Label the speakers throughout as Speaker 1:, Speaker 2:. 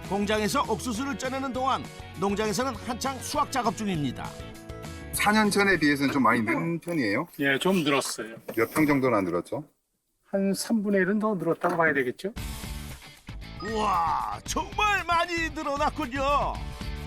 Speaker 1: 공장에서 옥수수를 쪄내는 동안 농장에서는 한창 수확 작업 중입니다.
Speaker 2: 4년 전에 비해서는 좀 많이 는 편이에요?
Speaker 3: 예, 좀 늘었어요.
Speaker 2: 몇 평 정도나 늘었죠?
Speaker 3: 한 3분의 1은 더 늘었다고 봐야 되겠죠?
Speaker 1: 우와, 정말 많이 늘어났군요.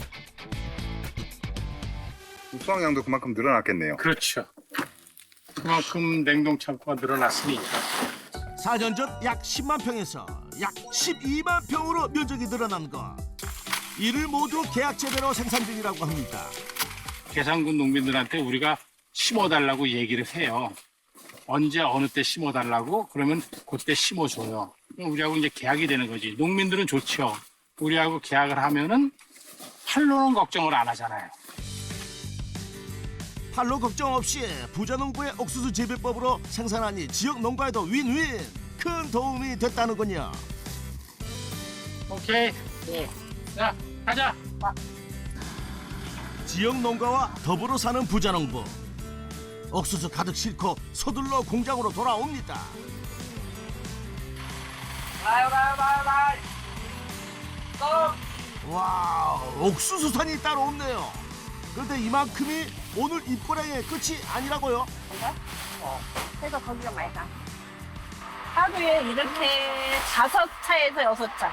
Speaker 2: 수확량도 그만큼 늘어났겠네요.
Speaker 3: 그렇죠. 그만큼 냉동 창고가 늘어났으니까.
Speaker 1: 4년 전 약 10만 평에서 약 12만 평으로 면적이 늘어난 것. 이를 모두 계약 재배로 생산 중이라고 합니다.
Speaker 3: 계산군 농민들한테 우리가 심어달라고 얘기를 해요. 언제 어느 때 심어달라고 그러면 그때 심어줘요. 우리하고 이제 계약이 되는 거지. 농민들은 좋죠. 우리하고 계약을 하면은 팔로는 걱정을 안 하잖아요.
Speaker 1: 팔로 걱정 없이 부자농부의 옥수수 재배법으로 생산하니 지역 농가에도 윈윈, 큰 도움이 됐다는군요.
Speaker 3: 오케이. 네. 자, 가자.
Speaker 1: 지역 농가와 더불어 사는 부자농부. 옥수수 가득 싣고 서둘러 공장으로 돌아옵니다. 와, 옥수수산이 따로 없네요. 그런데 이만큼이 오늘 입고량의 끝이 아니라고요?
Speaker 4: 그래서 거기가 많이 가. 하루에 이렇게 5차에서 6차.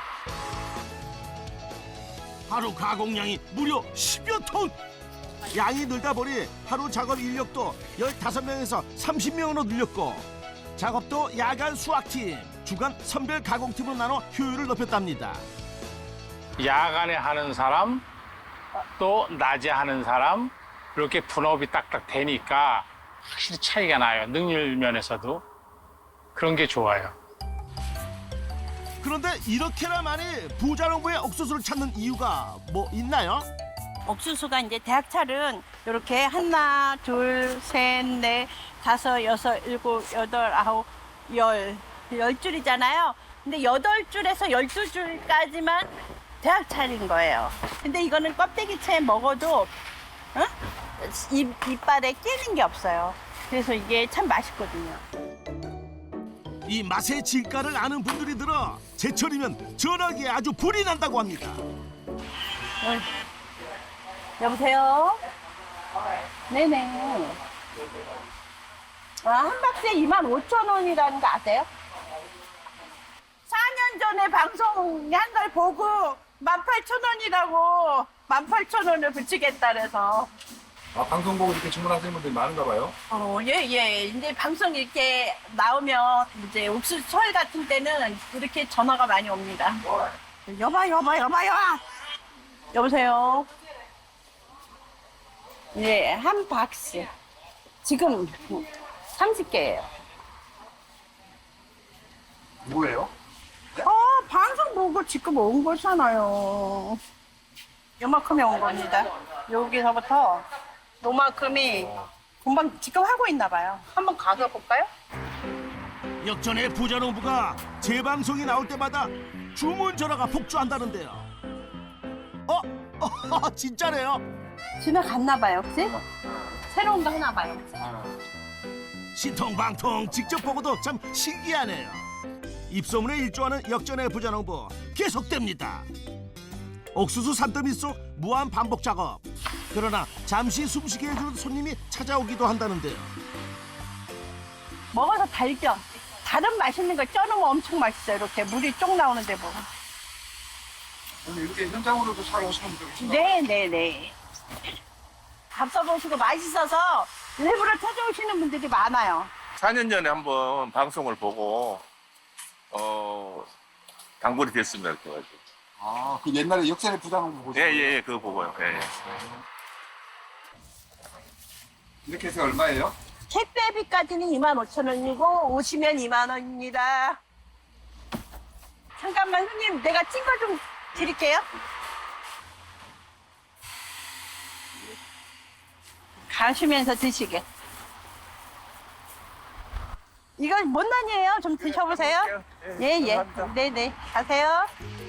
Speaker 1: 하루 가공량이 무려 10여 톤! 양이 늘다 보니 하루 작업 인력도 15명에서 30명으로 늘렸고 작업도 야간 수확팀, 주간 선별 가공팀으로 나눠 효율을 높였답니다.
Speaker 3: 야간에 하는 사람, 또 낮에 하는 사람, 이렇게 분업이 딱딱 되니까 확실히 차이가 나요. 능률 면에서도. 그런 게 좋아요.
Speaker 1: 그런데 이렇게나 많이 부자농부의 옥수수를 찾는 이유가 뭐 있나요?
Speaker 4: 옥수수가 이제 대학철은 이렇게 하나, 둘, 셋, 넷, 다섯, 여섯, 일곱, 여덟, 아홉, 열 줄이잖아요. 근데 8줄에서 12줄까지만 대학철인 거예요. 근데 이거는 껍데기채 먹어도 이빨에 끼는 게 없어요. 그래서 이게 참 맛있거든요.
Speaker 1: 이 맛의 진가를 아는 분들이 들어 제철이면 전화기에 아주 불이 난다고 합니다.
Speaker 4: 여보세요? 네네. 한 박스에 25,000원이라는 거 아세요? 4년 전에 방송한 걸 보고 18,000원이라고 18,000원을 붙이겠다 그래서.
Speaker 2: 아, 방송 보고 이렇게 주문하시는 분들이 많은가 봐요?
Speaker 4: 예. 이제 방송 이렇게 나오면 이제 옥수수 설 같은 때는 이렇게 전화가 많이 옵니다. 여봐요. 여보세요? 예, 한 박스. 지금 30개예요.
Speaker 2: 뭐예요?
Speaker 4: 방송 보고 지금 온 거잖아요. 요만큼이 온 겁니다. 여기서부터 요만큼이 금방 지금 하고 있나 봐요. 한번 가서 볼까요?
Speaker 1: 역전의 부자농부가 재방송이 나올 때마다 주문 전화가 폭주한다는데요. 진짜래요?
Speaker 4: 지나갔나 봐요, 그치? 새로운 거 하나 봐요.
Speaker 1: 신통방통 직접 보고도 참 신기하네요. 입소문에 일조하는 역전의 부자농부 계속됩니다. 옥수수 산더미 속 무한 반복 작업. 그러나 잠시 숨쉬게 해주는 손님이 찾아오기도 한다는데요.
Speaker 4: 먹어서 달죠? 다른 맛있는 거 쪄놓으면 엄청 맛있어요. 이렇게 물이 쪽 나오는데 뭐.
Speaker 2: 이렇게 현장으로도 사러 오시는 분들 계신가요?
Speaker 4: 네네네. 밥 써보시고 맛있어서 일부러 찾아오시는 분들이 많아요.
Speaker 5: 4년 전에 한번 방송을 보고 단골이 됐습니다. 그래가지고.
Speaker 2: 아, 그 옛날에 역전의 부자농부 보시는 거예요?
Speaker 5: 예, 그거 보고요. 예.
Speaker 2: 이렇게 해서 얼마예요?
Speaker 4: 택배비까지는 25,000원이고 오시면 2만 원입니다. 잠깐만 손님 내가 찐 거 좀 드릴게요. 가시면서 드시게. 이거 못난이에요. 좀 드셔보세요. 예. 네네. 가세요.